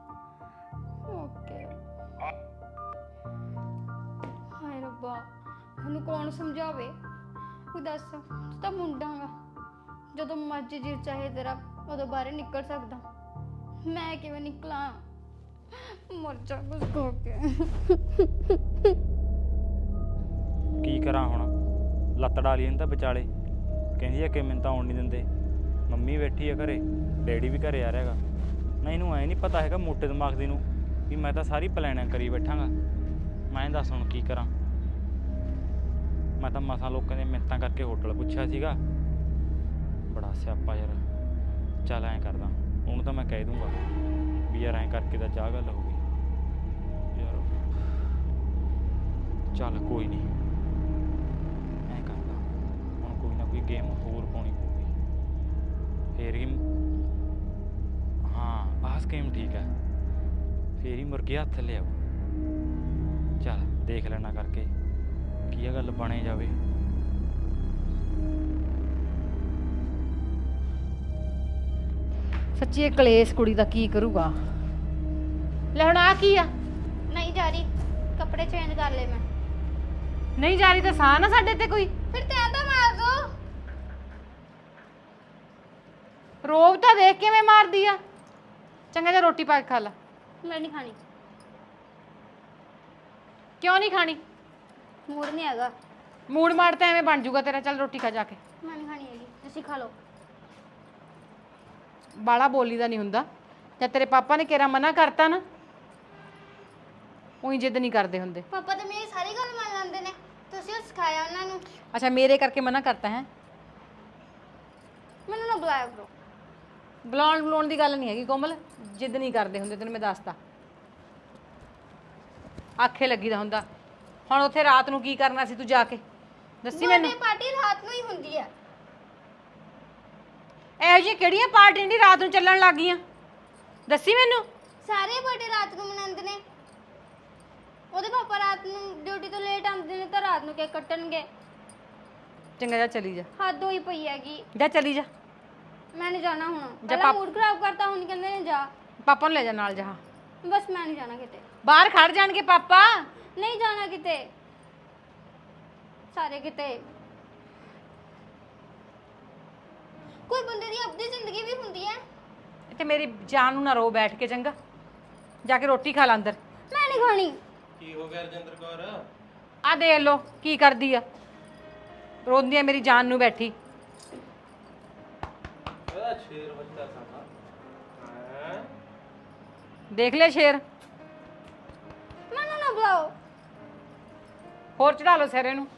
Speaker 3: ਓਕੇ। ਹਾਏ ਰੱਬਾ, ਉਹਨੂੰ ਕੌਣ ਸਮਝਾਵੇ? ਤੂੰ ਦੱਸ, ਤੂੰ ਤਾਂ ਮੁੰਡਾ ਗਾ, ਜਦੋਂ ਮਰਜ਼ੀ ਜੀ ਚਾਹੇ ਤੇਰਾ ਉਦੋਂ ਬਾਹਰ ਨਿਕਲ ਸਕਦਾ, ਮੈਂ ਕਿਵੇਂ ਨਿਕਲਾਂ? ਮਰ ਜਾ ਕੁਝ ਖੋ ਕੇ।
Speaker 6: ਕੀ ਕਰਾਂ ਹੁਣ, ਲੱਤ ਡਾਲੀ ਇਹਨੂੰ ਤਾਂ ਵਿਚਾਲੇ, ਕਹਿੰਦੀ ਆ ਕਿ ਮੈਨੂੰ ਤਾਂ ਆਉਣ ਨਹੀਂ ਦਿੰਦੇ। ਮੰਮੀ ਬੈਠੀ ਆ ਘਰੇ, ਡੈਡੀ ਵੀ ਘਰੇ ਆ ਰਿਹਾ ਹੈਗਾ ਨਾ, ਇਹਨੂੰ ਐ ਨਹੀਂ ਪਤਾ ਹੈਗਾ ਮੋਟੇ ਦਿਮਾਗ ਦੀ ਨੂੰ ਵੀ ਮੈਂ ਤਾਂ ਸਾਰੀ ਪਲੈਨਿੰਗ ਕਰੀ ਬੈਠਾਂਗਾ। ਮੈਂ ਦੱਸ ਹੁਣ ਕੀ ਕਰਾਂ? ਮੈਂ ਤਾਂ ਮਸਾਂ ਲੋਕਾਂ ਦੀਆਂ ਮਿੰਨਤਾਂ ਕਰਕੇ ਹੋਟਲ ਪੁੱਛਿਆ ਸੀਗਾ, ਬੜਾ ਸਿਆਪਾ ਯਾਰ। ਚੱਲ ਐਂ ਕਰਦਾ, ਉਹਨੂੰ ਤਾਂ ਮੈਂ ਕਹਿ ਦੂੰਗਾ ਵੀ ਯਾਰ ਐਂ ਕਰਕੇ ਤਾਂ ਚਾਹ ਗੱਲ ਹੋ ਗਈ ਯਾਰ। ਚੱਲ ਕੋਈ ਨਹੀਂ, ਐਂ ਕਰਦਾ ਹੁਣ, ਕੋਈ ਨਾ ਕੋਈ ਗੇਮ ਹੋਰ ਪਾਉਣੀ ਪਊਗੀ ਫੇਰ ਹੀ। ਹਾਂ ਆਹ ਗੇਮ ਠੀਕ ਹੈ, ਫੇਰ ਹੀ ਮੁਰਗੇ ਹੱਥ ਲਿਆਓ। ਚੱਲ ਦੇਖ ਲੈਣਾ ਕਰਕੇ ਕੀ ਇਹ ਗੱਲ ਬਣੇ ਜਾਵੇ।
Speaker 2: ਸੱਚੀ ਇਹ ਕਲੇਸ਼ ਕੁੜੀ ਦਾ ਕੀ ਕਰੂਗਾ? ਲੈ ਹੁਣ ਆ ਕੀ ਆ?
Speaker 3: ਨਹੀਂ ਜਾ ਰਹੀ, ਕੱਪੜੇ ਚੇਂਜ ਕਰ ਲਏ ਮੈਂ।
Speaker 2: ਨਹੀਂ ਜਾ ਰਹੀ ਤਾਂ ਸਾਹ ਨਾ ਸਾਡੇ ਤੇ ਕੋਈ।
Speaker 3: ਫਿਰ ਤੈਂ ਤਾਂ ਮਾਰ ਦੋ।
Speaker 2: ਰੋਬ ਤਾਂ ਦੇਖ ਕਿਵੇਂ ਮਾਰਦੀ ਆ। ਚੰਗਾ ਜਿਹਾ ਰੋਟੀ ਪਾ ਕੇ ਖਾ ਲੈ।
Speaker 3: ਮੈਂ ਨਹੀਂ ਖਾਣੀ,
Speaker 2: ਕਿਉਂ ਨਹੀਂ ਖਾਣੀ?
Speaker 3: ਮੂਡ ਨਹੀਂ ਹੈਗਾ।
Speaker 2: ਮੂਡ ਮਾਰ ਤਾਂ ਐਵੇਂ ਬਣ ਜਾਊਗਾ ਤੇਰਾ। ਚੱਲ ਰੋਟੀ ਖਾ ਜਾ ਕੇ।
Speaker 3: ਮੈਂ ਨਹੀਂ ਖਾਣੀ ਹੈਗੀ, ਤੁਸੀਂ ਖਾ ਲਓ।
Speaker 2: ਬਾਲਾ ਬੋਲੀ ਦਾ ਨਹੀਂ ਹੁੰਦਾ। ਜਦ ਤੇਰੇ ਪਾਪਾ ਨੇ ਕਿਹੜਾ ਮਨਾ ਕਰਤਾ ਨਾ, ਉਹੀ ਜਿੱਦ ਨਹੀਂ ਕਰਦੇ ਹੁੰਦੇ।
Speaker 3: ਪਾਪਾ ਤਾਂ ਮੇਰੀ ਸਾਰੀ ਗੱਲ ਮੰਨ ਲੈਂਦੇ ਨੇ, ਤੁਸੀਂ ਉਹ ਸਿਖਾਇਆ ਉਹਨਾਂ ਨੂੰ।
Speaker 2: ਅੱਛਾ, ਮੇਰੇ ਕਰਕੇ ਮਨਾ ਕਰਤਾ ਹੈ?
Speaker 3: ਮੈਨੂੰ ਨਾ ਬੁਲਾਇਆ ਕਰੋ।
Speaker 2: ਬੁਲਾਉਣ ਦੀ ਗੱਲ ਨਹੀਂ ਹੈਗੀ ਕੋਮਲ, ਜਿੱਦ ਨਹੀਂ ਕਰਦੇ ਹੁੰਦੇ, ਤੈਨੂੰ ਮੈਂ ਦੱਸਤਾ। ਆਖੇ ਲੱਗੀ ਦਾ ਹੁੰਦਾ। ਹੁਣ ਉੱਥੇ ਰਾਤ ਨੂੰ ਕੀ ਕਰਨਾ ਸੀ ਤੂੰ ਜਾ ਕੇ ਦੱਸੀ ਮੈਨੂੰ।
Speaker 3: ਬਰਥਡੇ ਪਾਰਟੀ ਰਾਤ ਨੂੰ ਹੀ ਹੁੰਦੀ ਹੈ।
Speaker 2: ਇਹੋ ਜਿਹੀਆਂ ਕਿਹੜੀਆਂ ਪਾਰਟੀਆਂ ਦੀ ਰਾਤ ਨੂੰ ਚੱਲਣ ਲੱਗ ਗਈਆਂ ਦੱਸੀ ਮੈਨੂੰ।
Speaker 3: ਸਾਰੇ ਬਰਥਡੇ ਰਾਤ ਨੂੰ ਮਨਾਉਂਦੇ ਨੇ। ਉਹਦੇ ਪਾਪਾ ਰਾਤ ਨੂੰ ਡਿਊਟੀ ਤੋਂ ਲੇਟ ਆਉਂਦੇ ਨੇ ਤਾਂ ਰਾਤ ਨੂੰ ਕੇਕ ਕੱਟਣਗੇ।
Speaker 2: ਚੰਗਾ ਜਾ ਚਲੀ ਜਾ।
Speaker 3: ਹੱਦ ਹੋਈ ਪਈ ਹੈਗੀ।
Speaker 2: ਜਾ ਚਲੀ ਜਾ।
Speaker 3: ਮੈਂ ਨਹੀਂ ਜਾਣਾ ਹੁਣ।
Speaker 2: ਜਾ
Speaker 3: ਪਹਿਲਾਂ ਮੂਡ ਖਰਾਬ ਕਰਤਾ, ਹੁਣ ਕਹਿੰਦੇ ਨੇ ਜਾ।
Speaker 2: ਪਾਪਾ ਨੂੰ ਲੈ ਜਾ ਨਾਲ ਜਾ।
Speaker 3: ਬਸ ਮੈਂ ਨਹੀਂ ਜਾਣਾ ਕਿਤੇ।
Speaker 2: ਬਾਹਰ ਖੜ ਜਾਣਗੇ ਪਾਪਾ।
Speaker 3: ਨਹੀਂ ਜਾਣਾ ਕਿਤੇ, ਸਾਰੇ ਕਿਤੇ। ਕੋਈ ਬੰਦੇ ਦੀ ਆਪਣੀ ਜ਼ਿੰਦਗੀ ਵੀ ਹੁੰਦੀ ਹੈ।
Speaker 2: ਤੇ ਮੇਰੀ ਜਾਨ ਨੂੰ ਨਾ ਰੋ ਬੈਠ ਕੇ। ਚੰਗਾ ਜਾ ਕੇ ਰੋਟੀ ਖਾ ਲੈ ਅੰਦਰ।
Speaker 3: ਮੈਂ ਨਹੀਂ ਖਾਣੀ।
Speaker 1: ਕੀ ਹੋ ਗਿਆ ਰਜਿੰਦਰ ਕੌਰ?
Speaker 2: ਆ ਦੇਖ ਲੋ ਕੀ ਕਰਦੀ ਆ, ਰੋਂਦੀ ਆ ਮੇਰੀ ਜਾਨ ਨੂੰ ਬੈਠੀ।
Speaker 1: ਇਹਦਾ ਸ਼ੇਰ ਬੱਚਾ ਸਾਡਾ ਹੈ।
Speaker 2: ਦੇਖ ਲੈ ਸ਼ੇਰ।
Speaker 3: ਮੈਨੂੰ ਨਾ ਬੁਲਾਓ।
Speaker 2: ਹੋਰ ਚੜਾ ਲਓ ਸਿਰੇ ਨੂੰ।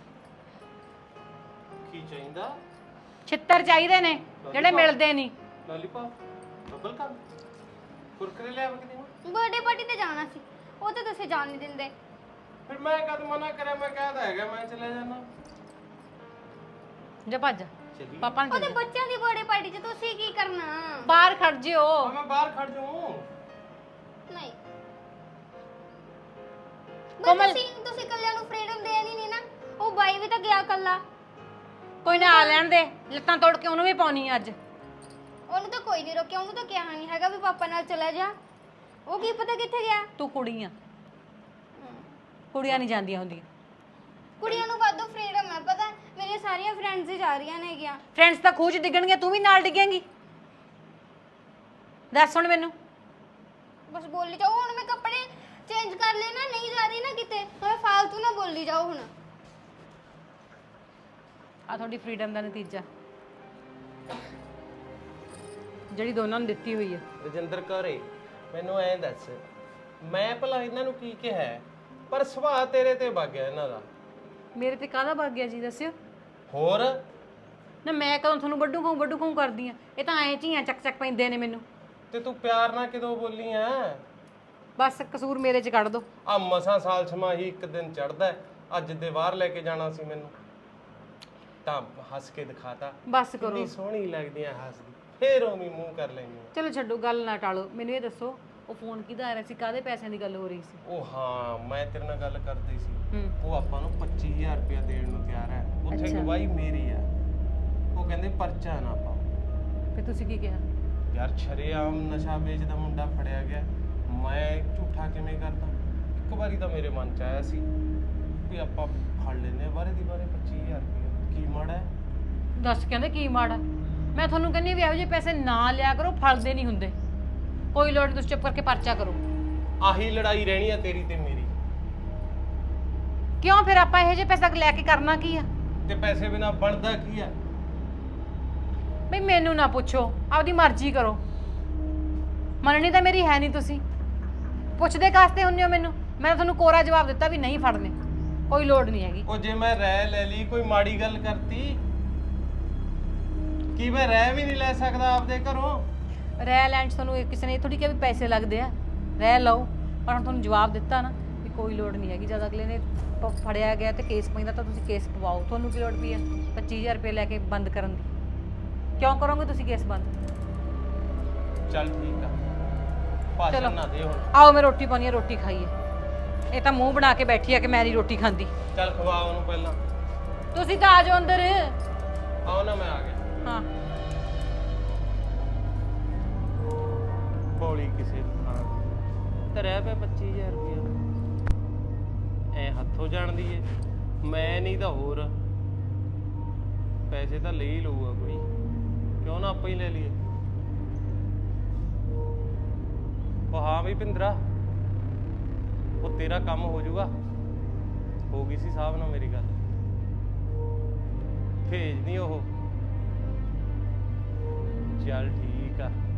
Speaker 1: ਕੀ ਚਾਹੀਦਾ?
Speaker 2: ਛਿੱਤਰ ਚਾਹੀਦੇ ਨੇ ਜਿਹੜੇ ਮਿਲਦੇ ਨਹੀਂ।
Speaker 1: ਲੋਲੀਪੌਪ, ਬਬਲ ਗਮ, ਕੁਰਕਰੇ ਲਿਆ ਕੇ ਦੇਵਾਂ?
Speaker 3: ਬਰਥਡੇ ਪਾਰਟੀ ਤੇ ਜਾਣਾ ਸੀ, ਉਹ ਤਾਂ ਤੁਸੀਂ ਜਾਣ ਨਹੀਂ ਦਿੰਦੇ।
Speaker 1: ਫਿਰ ਮੈਂ ਕਦ ਮਨਾ ਕਰਿਆ? ਮੈਂ ਕਹਿਦਾ ਹੈਗਾ ਮੈਂ ਚਲੇ ਜਾਣਾ।
Speaker 2: ਜਾ ਭੱਜ
Speaker 1: ਚਲੀ
Speaker 2: ਪਾਪਾ ਨੂੰ
Speaker 3: ਉਹਦੇ ਬੱਚਿਆਂ ਦੀ ਬਰਥਡੇ ਪਾਰਟੀ 'ਚ ਤੁਸੀਂ ਕੀ ਕਰਨਾ?
Speaker 2: ਬਾਹਰ ਖੜ ਜਿਓ।
Speaker 1: ਮੈਂ ਬਾਹਰ ਖੜ ਜਾਊਂ।
Speaker 3: ਨਹੀਂ
Speaker 2: ਕੋਮਲ।
Speaker 3: ਤੁਸੀਂ ਕੱਲਿਆਂ ਨੂੰ ਫ੍ਰੀडम ਦੇਣੀ ਨਹੀਂ ਨਾ। ਉਹ ਬਾਈ ਵੀ ਤਾਂ ਗਿਆ ਕੱਲਾ।
Speaker 2: ਕੋਈ ਨਾ ਆ ਲੈਣ ਦੇ, ਲੱਤਾਂ ਤੋੜ ਕੇ ਉਹਨੂੰ ਵੀ ਪਾਉਣੀ ਅੱਜ।
Speaker 3: ਉਹਨੂੰ ਤਾਂ ਕੋਈ ਨਹੀਂ ਰੋਕਿਆ, ਉਹਨੂੰ ਤਾਂ ਕਿਹਾ ਨਹੀਂ ਹੈਗਾ ਵੀ ਪਾਪਾ ਨਾਲ ਚਲਾ ਜਾ। ਉਹ ਕੀ ਪਤਾ ਕਿੱਥੇ ਗਿਆ।
Speaker 2: ਤੂੰ ਕੁੜੀ ਆ, ਕੁੜੀਆਂ ਨਹੀਂ ਜਾਂਦੀਆਂ ਹੁੰਦੀਆਂ।
Speaker 3: ਕੁੜੀਆਂ ਨੂੰ ਵਾਧੂ ਫ੍ਰੀडम ਹੈ ਪਤਾ। ਮੇਰੀਆਂ ਸਾਰੀਆਂ ਫਰੈਂਡਸ ਹੀ ਜਾ ਰਹੀਆਂ ਨੇ ਗਿਆ।
Speaker 2: ਫਰੈਂਡਸ ਤਾਂ ਖੂਹ 'ਚ ਡਿੱਗਣਗੇ, ਤੂੰ ਵੀ ਨਾਲ ਡਿੱਗੇਂਗੀ। ਦੱਸ ਹੁਣ ਮੈਨੂੰ।
Speaker 3: ਬਸ ਬੋਲੀ ਜਾਓ। ਹੁਣ ਮੈਂ ਕੱਪੜੇ ਚੇਂਜ ਕਰ ਲੈਣਾ, ਨਹੀਂ ਜਾ ਰਹੀ ਨਾ ਕਿਤੇ। ਹੁਣ ਫਾਲਤੂ ਨਾ ਬੋਲੀ ਜਾਓ। ਹੁਣ
Speaker 2: ਆ ਤੁਹਾਡੀ ਫ੍ਰੀडम ਦਾ ਨਤੀਜਾ ਜਿਹੜੀ ਦੋਨਾਂ ਨੂੰ ਦਿੱਤੀ ਹੋਈ ਹੈ।
Speaker 1: ਰਜਿੰਦਰ ਕੌਰੇ, ਮੈਨੂੰ ਐਂ ਦੱਸ, ਮੈਂ ਭਲਾ ਇਹਨਾਂ ਨੂੰ ਕੀ ਕਿਹਾ ਹੈ? ਪਰ ਸੁਭਾਅ ਤੇਰੇ ਤੇ ਵਗ ਗਿਆ ਇਹਨਾਂ ਦਾ।
Speaker 2: ਮੇਰੇ ਤੇ ਕਾਹਦਾ ਵਗ ਗਿਆ ਜੀ ਦੱਸਿਓ।
Speaker 1: ਹੋਰ
Speaker 2: ਨਾ ਮੈਂ ਕਦੋਂ ਤੁਹਾਨੂੰ ਵੱਡੂ ਖਾਂ ਕਰਦੀ ਆ? ਇਹ ਤਾਂ ਐਂ ਝੀਆਂ ਚੱਕ ਪੈਂਦੇ ਨੇ ਮੈਨੂੰ।
Speaker 1: ਤੇ ਤੂੰ ਪਿਆਰ ਨਾਲ ਕਿਦੋਂ ਬੋਲੀ ਆ?
Speaker 2: ਬਸ ਕਸੂਰ ਮੇਰੇ 'ਚ ਕੱਢ ਦੋ।
Speaker 1: ਆ ਮਸਾਂ ਸਾਲ ਛਮਾਹੀ ਇੱਕ ਦਿਨ ਚੜਦਾ। ਅੱਜ ਦੇ ਬਾਹਰ ਲੈ ਕੇ ਜਾਣਾ ਸੀ ਮੈਨੂੰ, ਤਾਂ ਹੱਸ ਕੇ ਦਿਖਾਤਾ।
Speaker 2: ਬਸ ਕਰੋ।
Speaker 1: ਕਿੰਨੀ ਸੋਹਣੀ ਲੱਗਦੀ ਆ ਹੱਸਦੀ, ਫੇਰ ਉਵੇਂ ਮੂੰਹ ਕਰ ਲੈਂਦੀ ਆ।
Speaker 2: ਚਲੋ ਛੱਡੋ, ਗੱਲ ਨਾ ਟਾਲੋ। ਮੈਨੂੰ ਇਹ ਦੱਸੋ, ਉਹ ਫੋਨ ਕਿਹਦਾ ਆ ਰਿਹਾ ਸੀ? ਕਾਹਦੇ ਪੈਸਿਆਂ ਦੀ ਗੱਲ ਹੋ ਰਹੀ ਸੀ?
Speaker 1: ਉਹ ਹਾਂ, ਮੈਂ ਤੇਰੇ ਨਾਲ ਗੱਲ ਕਰਦੀ ਸੀ।
Speaker 2: ਹੂੰ।
Speaker 1: ਉਹ ਆਪਾਂ ਨੂੰ 25000 ਰੁਪਇਆ ਦੇਣ ਨੂੰ ਤਿਆਰ ਹੈ। ਉੱਥੇ ਗਵਾਹੀ ਮੇਰੀ ਆ। ਉਹ ਕਹਿੰਦੇ ਪਰਚਾ ਨਾ ਪਾਓ।
Speaker 2: ਫਿਰ ਤੁਸੀਂ ਕੀ ਕਿਹਾ?
Speaker 1: ਯਾਰ ਸ਼ਰੇਆਮ ਨਸ਼ਾ ਵੇਚਦਾ ਮੁੰਡਾ ਫੜਿਆ ਗਿਆ, ਮੈਂ ਝੂਠਾ ਕਿਵੇਂ ਕਰਦਾ? ਇੱਕ ਵਾਰੀ ਤਾਂ ਮੇਰੇ ਮਨ ਚ ਆਇਆ ਸੀ ਵੀ ਆਪਾਂ ਫੜ ਲੈਨੇ ਬਾਰੇ ਦੀ ਬਾਰੇ 25000 ਰੁਪਇਆ, ਕੀ ਮਾੜਾ ਹੈ?
Speaker 2: ਦੱਸ ਕਹਿੰਦੇ ਕੀ ਮਾੜਾ? ਮੈਂ ਤੁਹਾਨੂੰ ਕਹਿੰਦੀ ਵੀ ਇਹੋ ਜਿਹੇ ਪੈਸੇ ਨਾ ਲਿਆ ਕਰੋ, ਫਲਦੇ ਨਹੀਂ ਹੁੰਦੇ। ਕੋਈ ਲੋੜ ਨਹੀਂ, ਤੁਸੀਂ ਚੁੱਪ ਕਰਕੇ ਪਰਚਾ ਕਰੋ।
Speaker 1: ਆਹੀ ਲੜਾਈ ਰਹਿਣੀ ਆ ਤੇਰੀ ਤੇ ਮੇਰੀ।
Speaker 2: ਕਿਉਂ ਫਿਰ ਆਪਾਂ ਇਹੋ ਜਿਹੇ ਪੈਸਾ ਲੈ ਕੇ ਕਰਨਾ ਕੀ ਆ?
Speaker 1: ਤੇ ਪੈਸੇ ਬਿਨਾ ਬਣਦਾ ਕੀ ਆ?
Speaker 2: ਬਈ ਮੈਨੂੰ ਨਾ ਪੁੱਛੋ, ਆਪਦੀ ਮਰਜ਼ੀ ਕਰੋ। ਮੰਨਣੀ ਤਾਂ ਮੇਰੀ ਹੈ ਨਹੀਂ, ਤੁਸੀਂ ਪੁੱਛਦੇ ਕਾਸਤੇ ਹੁੰਦੇ ਹੋ ਮੈਨੂੰ? ਮੈਂ ਤਾਂ ਤੁਹਾਨੂੰ ਕੋਰਾ ਜਵਾਬ ਦਿੱਤਾ ਵੀ ਨਹੀਂ ਫੜਨੇ, ਕੋਈ ਲੋੜ ਨਹੀਂ ਹੈਗੀ।
Speaker 1: ਉਹ ਜੇ ਮੈਂ ਰਹਿ ਲੈ ਲਈ, ਕੋਈ ਮਾੜੀ ਗੱਲ ਕਰਤੀ? ਕੀ ਮੈਂ ਰਹਿ ਵੀ ਨਹੀਂ ਲੈ ਸਕਦਾ ਆਪਦੇ ਘਰੋਂ?
Speaker 2: ਰਹਿ ਲੈਣ 'ਚ ਤੁਹਾਨੂੰ ਕਿਸੇ ਨੇ ਇਹ ਥੋੜੀ ਕਿਹਾ ਵੀ ਪੈਸੇ ਲੱਗਦੇ ਆ, ਰਹਿ ਲਓ। ਪਰ ਹੁਣ ਤੁਹਾਨੂੰ ਜਵਾਬ ਦਿੱਤਾ ਨਾ ਵੀ ਕੋਈ ਲੋੜ ਨਹੀਂ ਹੈਗੀ। ਜਦ ਅਗਲੇ ਨੇ ਫੜਿਆ ਗਿਆ ਤੇ ਕੇਸ ਪੈਂਦਾ ਤਾਂ ਤੁਸੀਂ ਕੇਸ ਪਵਾਓ। ਤੁਹਾਨੂੰ ਕੀ ਲੋੜ ਪਈ ਆ 25000 ਰੁਪਏ ਲੈ ਕੇ ਬੰਦ ਕਰਨ ਦੀ? ਕਿਉਂ ਕਰੋਗੇ ਤੁਸੀਂ ਕੇਸ ਬੰਦ?
Speaker 1: ਚੱਲ ਠੀਕ ਆ, ਭਾਸ਼ਣ ਨਾ ਦੇ ਹੁਣ।
Speaker 2: ਆਓ ਮੈਂ ਰੋਟੀ ਪਾਉਣੀ ਆ, ਰੋਟੀ ਖਾਈਏ। ਇਹ ਤਾਂ ਮੂੰਹ ਬਣਾ ਕੇ ਬੈਠੀ ਆ ਕਿ ਮੈਂ ਨਹੀਂ ਰੋਟੀ ਖਾਂਦੀ।
Speaker 1: ਚੱਲ ਖਵਾ ਉਹਨੂੰ ਪਹਿਲਾਂ।
Speaker 2: ਤੁਸੀਂ ਤਾਂ ਆ ਜਾਓ ਅੰਦਰ।
Speaker 1: ਆਓ ਨਾ, ਮੈਂ ਆ ਗਿਆ।
Speaker 2: ਹਾਂ
Speaker 1: ਬੋਲੀ ਕਿਸੇ ਥਾਂ ਤੇ ਰਹਿ ਪਿਆ 25000 ਰੁਪਇਆ। ਐ ਹੱਥੋਂ ਜਾਣਦੀ ਏ, ਮੈਂ ਨਹੀਂ ਤਾਂ ਹੋਰ। ਪੈਸੇ ਤਾਂ ਲੈ ਹੀ ਲਊਗਾ ਕੋਈ, ਕਿਉਂ ਨਾ ਆਪਾਂ ਹੀ ਲੈ ਲਈਏ। ਬਈ ਭਿੰਦਰਾ, ਉਹ ਤੇਰਾ ਕੰਮ ਹੋ ਜਾਊਗਾ। ਹੋ ਗਈ ਸੀ ਸਾਹਿਬ ਨਾਲ ਮੇਰੀ ਗੱਲ, ਭੇਜ ਨਹੀਂ ਉਹ। ਚੱਲ ਠੀਕ ਆ।